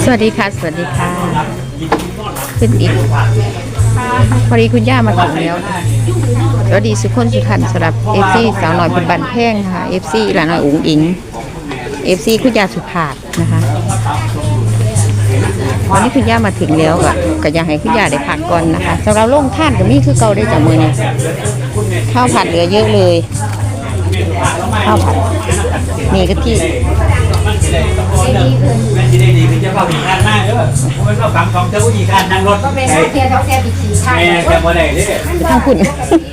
สวัสดีค่ะสวัสดีค่ะขึ้นอีกพอดีคุณย่ามาถึงแล้วสวัสดีสุขคนสุขันสำหรับเอฟซีสาวหน่อยเป็นบันแพงค่ะเอฟซีหลานหน่อยอุ๋งอิงเอฟซีคุณย่าสุภาพนะคะวันนี้คุณย่ามาถึงแล้วก็อยากให้คุณย่าได้พักก่อนนะคะสำหรับโล่งท่านก็มีคือเก่าได้จากมือนี่ข้าวผัดเหลือเยอะเลยข้าวผัดนี่ก็ที่ดีคือจะเข้าอีกคันมากเด้อมันก็ฝังของเจ้าผู้หญิงคันนั่งรถก็ไม่ได้เทียบแค่ปีสี่คันแค่บ่ได้เด้ทางคุณ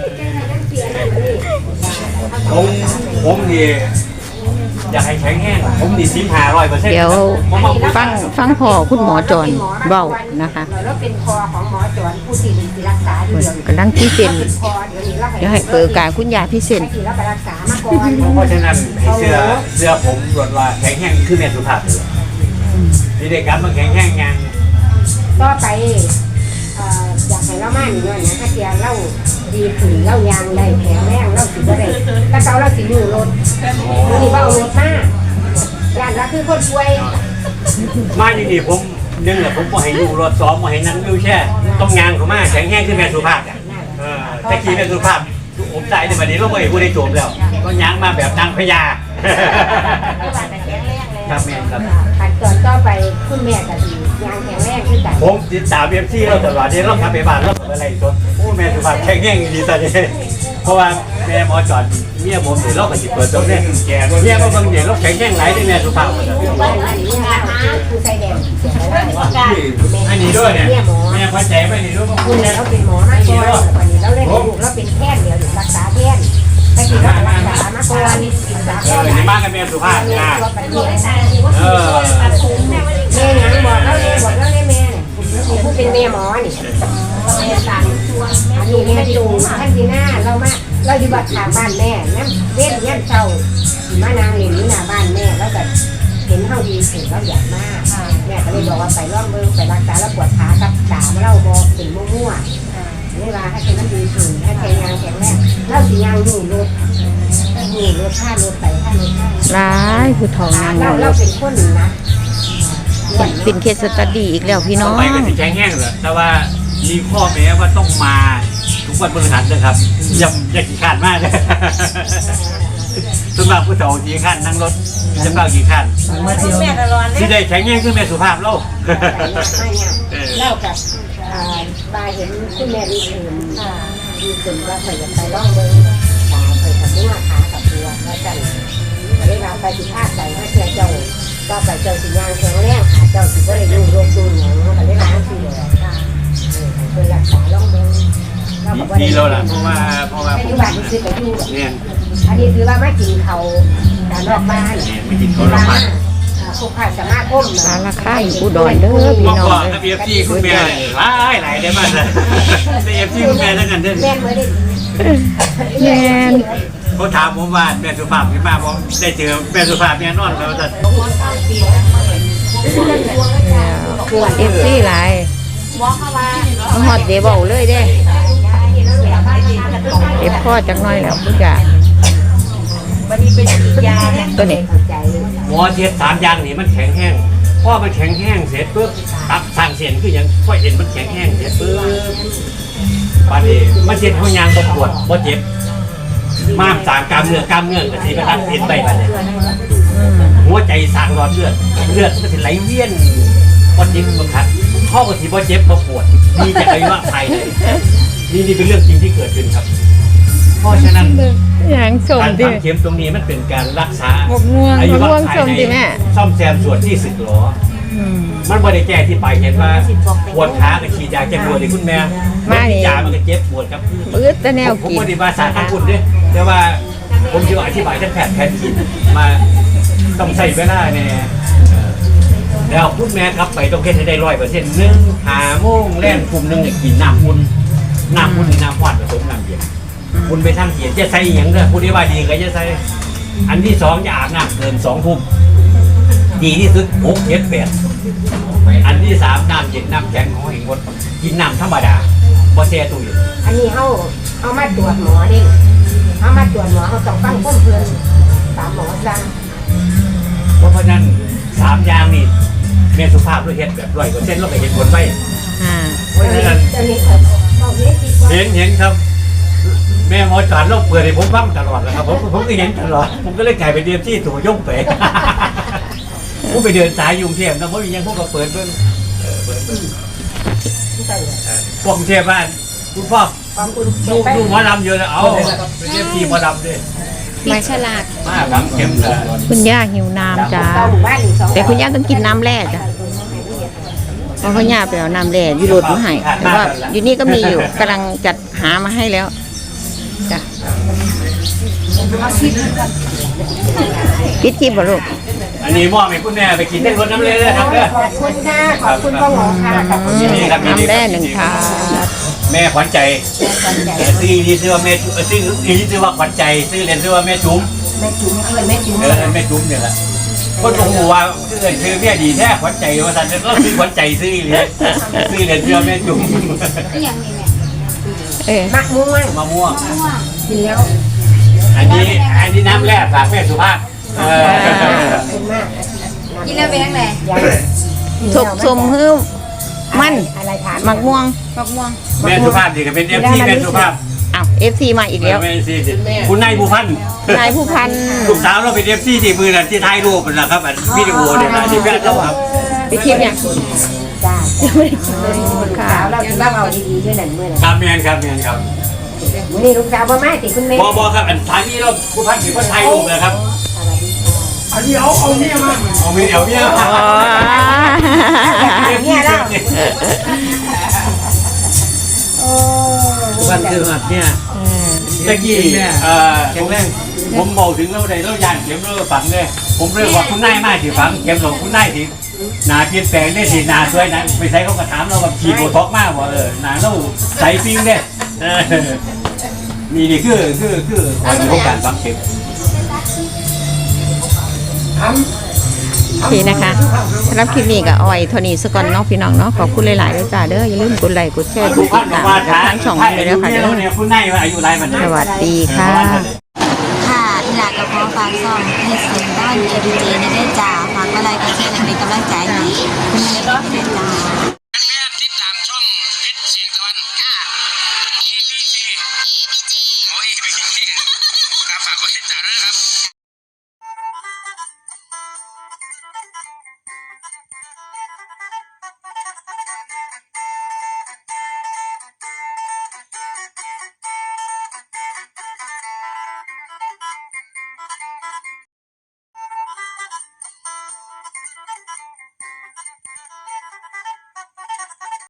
ผมดีอยากให้แข็งแห้งผมดี1500% เดี๋ยวฟังพอคุณหมอจอนเบานะคะแล้วเป็นคอของหมอจอนผู้ที่รักษาอยู่เดียวกำลังที่เซ็นเดี๋ยวให้เปิดการคุณยาพี่เซ็นที่เราไปรักษามาก่อนเพราะฉะนั้นเสื้อผมรถว่าแข็งแห้งคือแม่สุภาพนี่เด็กกันมันแข็งแห้งยังก็ไปอยากให้เรามาหน่อยนะถ้าเทียเราดีขึ้นเรายางได้แข็งแรงเราสิบ่ได้ถ้าเราสิอยู่รถนี่ว่าเอารถมาย่านเราคือคนป่วยมาดีๆผมนึงแหละผมบ่ให้อยู่รถซ้อมบ่ให้นั่งวิวแช่ต้องยางเข้ามาแข็งแห้งคือแม่สุภาพแต่กี้แม่สุภาพผมใจในวันนี้เราไม่พูดได้โจมแล้วก็ยางมาแบบนางพญาครับแม่ครับขั้นตอนต่อไปคุณแม่ก็ดียางแข็งแรงขึ้นกันผมติดตามเอฟซีเราตลอดเนี่ยเราทำไปบ้านเราอะไรจนโอ้แม่สุภาพแข็งแรงดีตอนนี้เพราะว่าแม่หมอจอดเมียผมเดี๋ยวเราก็จิเปิดตรงนี้แก่เมียก็บางเดี๋ยวเราแข็งแรงไหลที่แม่สุภาพคือใส่แดงอันนี้ด้วยเนี่ยแม่พอใจไหมนี่ด้วยคุณเนี่ยเราเป็นหมอมาก่อนวันนี้เราเล่นลูกเราเป็นแพทย์เดี๋ยวรักษาแพทย์แต่ที่เรารักษามาก่อนรักษาแพทย์นี่มากกันแม่สุภาพนะแม่ยังบอกเราเลยแม่เนี่ยผู้เป็นแม่หมอนี่อันนี้แม่จูท่านที่หน้าเราอยู่บ้านทางบ้านแม่น้ำเว้นย่ำเศร้ามานางเหรียญนี้หน้าบ้านแม่แล้วแบบเห็นเขาดีถึงเราอยากมากแม่ก็เลยบอกว่าไปร่วมมือไปรักษาแล้วปวดขากับขาเราบอกถึงมั่วๆนี่ว่าถ้าเป็นน้ำดีถึงถ้าแข็งยางแข็งแรงเราสิยางอยู่รถค่ารถไปค่ารถร้ายผู้ทองนางเราเป็นคนนะเป็นเคสสตัดดี้อีกแล้วพี่น้องไปกันแข็งแห้งเลยแต่ว่ามีข้อแม้ว่าต้องมาทุกวันพฤหัสนะครับอย่าขี้ขาดมากเลยสำหรับผู้สาวขี้ขาดนั่งรถจะเฝ้าขี้ขาดที่ได้แข็งแรงคือแม่สุภาพโลกเล่ากับบาเห็นคุณแม่ดีขึ้นว่าเคยจะไปร่องเบิ้งขาเคยทำด้วยขากับตัวแล้วกันได้รับไปที่ภาคใส่ถ้าเจ้าก็ไปเจ้าสิยางแข็งแรงขาเจ้าสิก็ได้ยุ่งรวมดูอย่างนี้ก็ได้ร้านสิเลยเป็นรักษาร่องเบิ้งดีแล้วล่ะเพราะว่าปัจจุบันนี่คือไปอยู่เนี่ยอันนี้คือว่าไม่กินเขาการนอกบ้านไม่กินเขานอกบ้านผู้ขาสมาคมราคาอยู่อุดรเด้อพี่น้องเลยเอฟซีคุณแม่หลายได้มากเลยเอฟซีคุณแม่ทั้งนั้นเด้อแม่เหมือนแม่เขาถามผมว่าแม่สุภาพที่มาผมได้เจอแม่สุภาพเนี่ยนอนแล้วจะเอฟซีหลายหอดเดี๋ยวบอกเลยเด้เอฟพ่อจักน้อยแล้วผู้จ่าตัวนี้หมอเทียบ3อย่างนี่มันแข็งแห้งพ่อมันแข็งแห้งเสร็จปุ๊บตับสั่งเสียนคือยังพ่อเห็นมันแข็งแห้งเสร็จปุ๊บปานนี้มันเจ็บหัวยางปวดบ่เจ็บม้ามสางกล้ามเนื้อกระสีประทับเห็นไปบัดนี้หัวใจสางหลอดเลือดมันสิไหลเวียนบ่เจ็บบ่คัดข้อกระสีบ่เจ็บบ่ปวดมีจากอายุวัยไทยนี่เป็นเรื่องจริงที่เกิดขึ้นครับเพราะฉะนั้นการทำเข็มตรงนี้มันเป็นการรักษาอายุวัยภายในซ่อมแซมส่วนที่สึกหรอมันไม่ได้แก้ที่ไปเห็นว่าปวดขากับฉีดยาแก้ปวดที่คุณแม่ยามันก็เจ็บปวดครับปื้ดแต่แนวผมไม่ได้มาสาขาคุณด้วยแต่ว่าผมจะอธิบายท่านแพทย์กินมาต้องใส่เวลาเนี่ยแล้วคุณแม่ครับไปต้องเก็บให้ได้100%1 5 โมงแล่นกลุ่มนึงกินน้ำอุ่นน้ำหวานผสมน้ำเย็นคุณไปทำเขียนจะใส่อย่างเด้อคุณที่ว่าดีก็จะใส่อันที่2จะอาบน้ำเกิน2 ทุ่มดีที่สุด6 7 8อันที่3น้ำเย็นน้ำแข็งของเองหมดกินน้ำธรรมดาบ่แช่ตู้เย็นอันนี้เอามาตรวจหมอดิเอามาตรวจหมอเขาต้องฟังข้อมูลตามหมอสั่งเพราะฉะนั้น3อย่างนี่แม่สุภาพด้วยเฮ็ดแบบ100%เราก็เห็นผลไปอ่าเพราะฉะนั้นตอนนี้เขาบอกนี้ดีกว่าเห็นครับ แม่หมอจอดเราเปิดให้ผมฟังตลอดนะครับผมก็เห็นตลอดผมก็เลยกลายเป็นเดียมที่ถูกย่งไป ผมไปเดินสายยุงเทพนะเพราะมียังพวกก็เปิดเบิ่งเปิดเบิ่งพวกกรุงเทพบ้านคุณพ่อความคุณดูหมอลำเยอะนะเอาเป็นเดียมที่หมอลำด้วยไม่ฉลาดมากครับเข้มเลยคุณย่าหิวน้ำจ้าเข้าหมู่บ้านอีก2 แต่คุณย่าต้องกินน้ำแร่จ้ะเพราะคุณย่าไปเอาน้ำแร่อยู่รถมาให้แต่ว่าอยู่นี่ก็มีอยู่กำลังจัดหามาให้แล้วจ้ะปิดคลิปบ่ลูกอันนี้มอบให้คุณแม่ไปกินได้รถน้ำเลยนะครับเด้อขอบคุณค่ะขอบคุณพ่อหมอค่ะขอบคุณยินดีครับยินดีน้ำแร่หนึ่งถาดแม่ขวัญใจความใจซื้อที่ชื่อว่าแม่ซื้อที่ชื่อว่าขวัญใจซื้อเรียนชื่อว่าแม่จุ๋มแม่จุ๋มแม่จุ๋มแม่จุ๋มเนี่ยแหละคนบอกว่าชื่อแม่ดีแท้ขวัญใจว่าสันเราซื้อขวัญใจซื้อเรียนชื่อว่าแม่จุ๋มเออมะม่วงมะม่วงกินแล้วอันนี้น้ำแร่ฝากแม่สุภาพขอบคุณมากกินแล้วเป็นยังไงทบสมฮื้อมันอะไรถามมักม่วงบักม่วงแม่สุภาพดีกับเป็นเอฟซีแม่สุภาพอ้าว FC มาอีกแล้วแม่ซีคุณนายผู้พันนายผู้พันลูกสาวเราเป็นเอฟซีที่มือนั่นที่ถ่ายรูปนะครับวิดีโอเนี่ยนะที่แม่เราครับไปคลิปเนี่ยจ้าไม่ได้กินเลยค่ะสาวเราคิดว่าเอาดีๆด้วยนั่นเมื่อไหร่ครับแมนครับวันนี้ลูกสาวบ่มาติคุณแม่บอครับอันท้ายนี้เราผู้พันเป็นคนถ่ายรูปนะครับสวัสดีค่ะอันนี้เอาเมียมาเอาเมียเอาเมียอ๋อเนี่ยเราโอ้วันเกิดเนี่ยตะกี้ผมบอกถึงเราได้เราย่านเข็มเราฝังเลยผมเรียกว่าคุณนายมากที่ฝังเข็มหลงคุณนายที่หนาเปลี่ยนแปลงได้ที่หนาสวยนะไปใช้เขากระถามเราแบบฉีดโบท็อกมากว่าหนาเราใส่ฟิ้งได้นี่คือความรู้การฝังเข็มโอเคนะคะสำหรับคลิปนี้ก็เอาไว้เท่านี้สักก่อนเนาะพี่น้องเนาะขอบคุณหลายๆด้วยจ้าเด้ออย่าลืมกดไลค์กดแชร์กดติดตามทั้งช่องเลยนะคะเด้อคุณนายอายุไรมันสวัสดีค่ะค่ะอีหลากับพ่อฝากซ่อมให้เสียงด้านเอดีเจในได้จ่าฝากอะไรก็แค่เป็นกำลังใจให้คุณแม่ด้วยจ้า